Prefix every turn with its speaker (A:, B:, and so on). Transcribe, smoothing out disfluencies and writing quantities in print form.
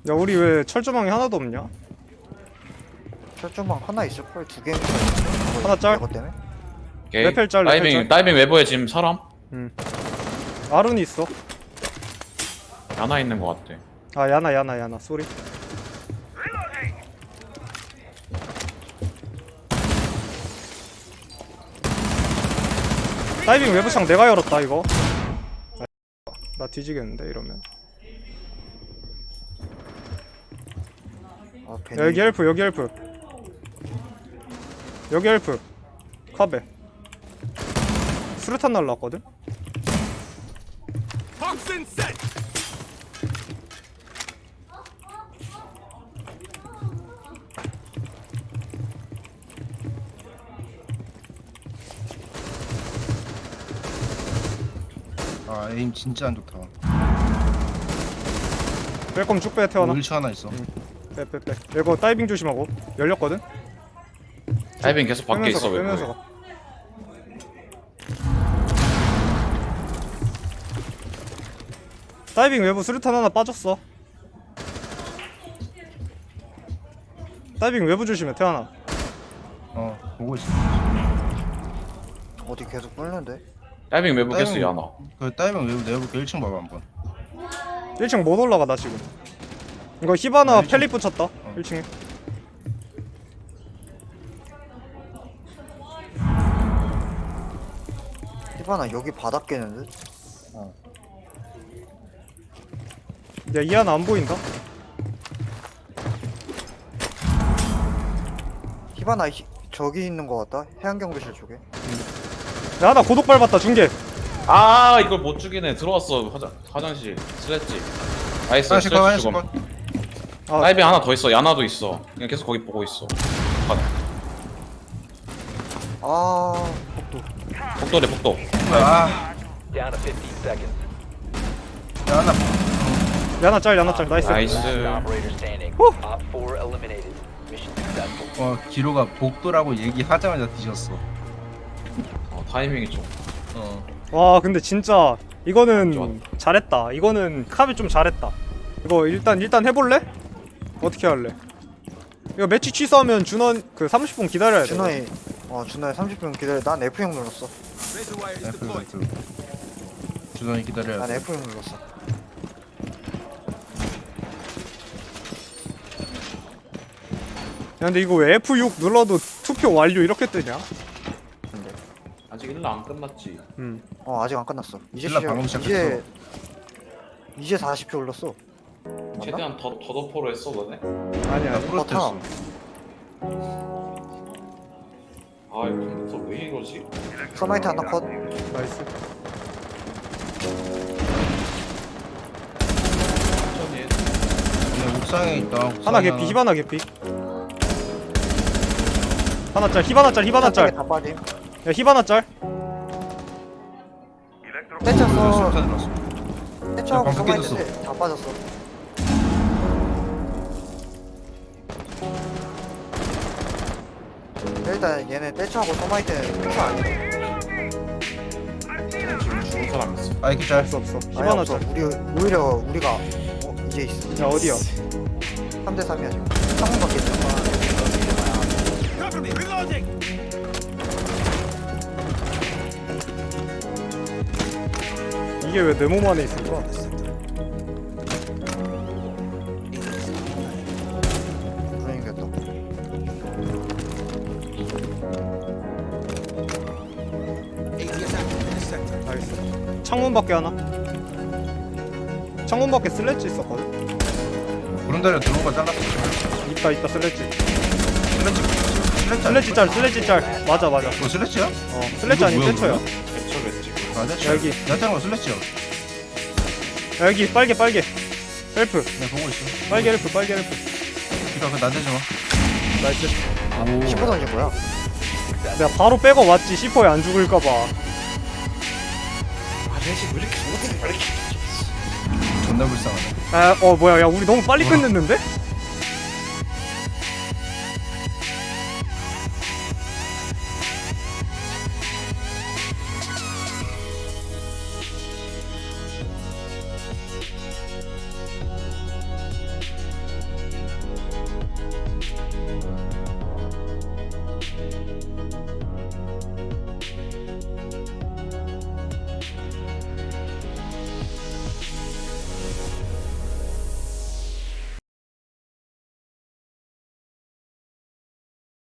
A: 야 우리 왜 철조망이 하나도 없냐?
B: 철조망 하나 있을걸? 두 개.
A: 하나 짤?
B: 이것 때문에?
C: 오케이.
A: 레펠 짤, 레펠 짤.
C: 다이빙 외부에 지금 사람
A: 아룬이 있어.
C: 하나 있는 것 같아.
A: 아 야나 쏘리. 다이빙 외부창 내가 열었다 이거. 나 뒤지겠는데 이러면.
B: 아,
A: 야, 여기 헬프 여기 헬프 여기 헬프 카베 수류탄 날라왔거든?
D: 아 에임 진짜 안 좋다.
A: 뺄 거면 쭉 빼 태어나.
D: 일치 하나 있어.
A: 빼 이거 다이빙 조심하고. 열렸거든?
C: 다이빙 계속 밖에 있어 외부에.
A: 빼면서 가. 다이빙 외부 수류탄 하나 빠졌어. 다이빙 외부 조심해 태어나.
D: 보고 있어.
B: 어디 계속 뚫는데?
C: 다이빙 외부
D: 다이빙-
C: 계속 야나.
D: 그 다이빙 외부 내볼게. 1층 봐봐 한번.
A: 1층 못 올라가 나 지금. 이거 히바나
D: 1층.
A: 펠리 붙였다 1층에.
B: 히바나 여기 바닥 깨는데?
A: 야 이 하나 안 보인다?
B: 히바나 저기 있는 거 같다? 해안경비실 쪽에.
A: 야 하나 고독 밟았다 중계.
C: 아 이걸 못 죽이네. 들어왔어 화장실. 슬랬지. 나이스.
D: 하나씩 컷,
C: 슬래치
D: 하나씩
C: 죽음.
D: 컷.
A: 아,
C: 다이빙 하나 더 있어. 야나도 있어. 그냥 계속 거기 보고 있어.
B: 아, 복도.
C: 복도래 복도.
D: 아,
E: Down to 15 seconds.
D: 야, 나
A: 야나 짤 나이스.
C: 나이스.
E: Operator standing. Op 4 eliminated. Mission successful.
D: 기로가 복도라고 얘기하자마자 뒤졌어.
C: 타이밍이 좀.
A: 와 근데 진짜 이거는
C: 좋았다.
A: 잘했다. 이거는 카비 좀 잘했다. 이거 일단 해볼래? 어떻게 할래? 이거 매치 취소하면 준원 그 30분 기다려야 돼.
B: 준호이, 준호이 30분 기다려. 난 F형 눌렀어.
D: F 주선이 기다려야
B: 난
D: 돼.
B: F형 눌렀어.
A: 야 근데 이거 왜 F6 눌러도 투표 완료 이렇게 뜨냐?
B: 근데.
C: 아직 1라 안 끝났지.
B: 아직 안 끝났어. 이제
D: 신라 방금 시작했어.
B: 이제 40표 올렸어.
C: 최대한 더 더더포로 했어 너네?
A: 아니야.
D: 프로스트였어.
C: 아 이거 컴퓨터 왜 이러지?
B: 서마이트 하나 컷.
A: 나이스.
C: 천천히 해.
D: 그냥 옥상에 있다.
A: 하나 개피 히바나 개피. 하나 짤 히바나 짤.
B: 다 빠짐.
A: 야 히바나 짤.
B: 떼쳤어.
D: 수류탄 들었어.
B: 떼쳐하고
D: 방금
B: 서마이트
D: 깨졌어.
B: 다 빠졌어. 일단 얘네 떼쳐하고 서마이트는 떼쳐 아니야.
C: 지금 죽은 사람 있어.
D: 아이키 잘.
A: 없어.
B: 아예
A: 히바나
B: 없어.
A: 짤.
B: 오히려 우리가 이제 있어.
A: 야 어디야?
B: 3대 3이야 지금. 창문 밖에 있어.
A: 이게 왜 내 몸 안에 있을까?
B: 불행이겠다.
A: 나이스. 창문 밖에 하나. 창문 밖에 슬래지 있었거든.
D: 구름다리가 들어온 거 잘랐어.
A: 있다 슬래지.
D: 슬래치
A: 슬래지 짤. 맞아.
D: 뭐 슬래치야?
A: 슬래지 아니면
D: 뭐야,
A: 떼쳐야.
D: 뭐야?
C: 개처겠지.
D: 아 됐지.
A: 여기.
D: 내가 짠거 슬래치야.
A: 야, 여기 빨개. 헬프.
D: 내가 보고 있어.
A: 빨개 헬프.
D: 기가 그거 나대지 마.
A: 나이스.
D: 오.
B: 10호 던진 거야.
A: 내가 바로 빼고 왔지. C4에 안 죽을까봐.
C: 아 넷이 왜 이렇게 못해? 왜 이렇게
D: 존나 불쌍하네.
A: 뭐야. 야, 우리 너무 빨리 끝냈는데?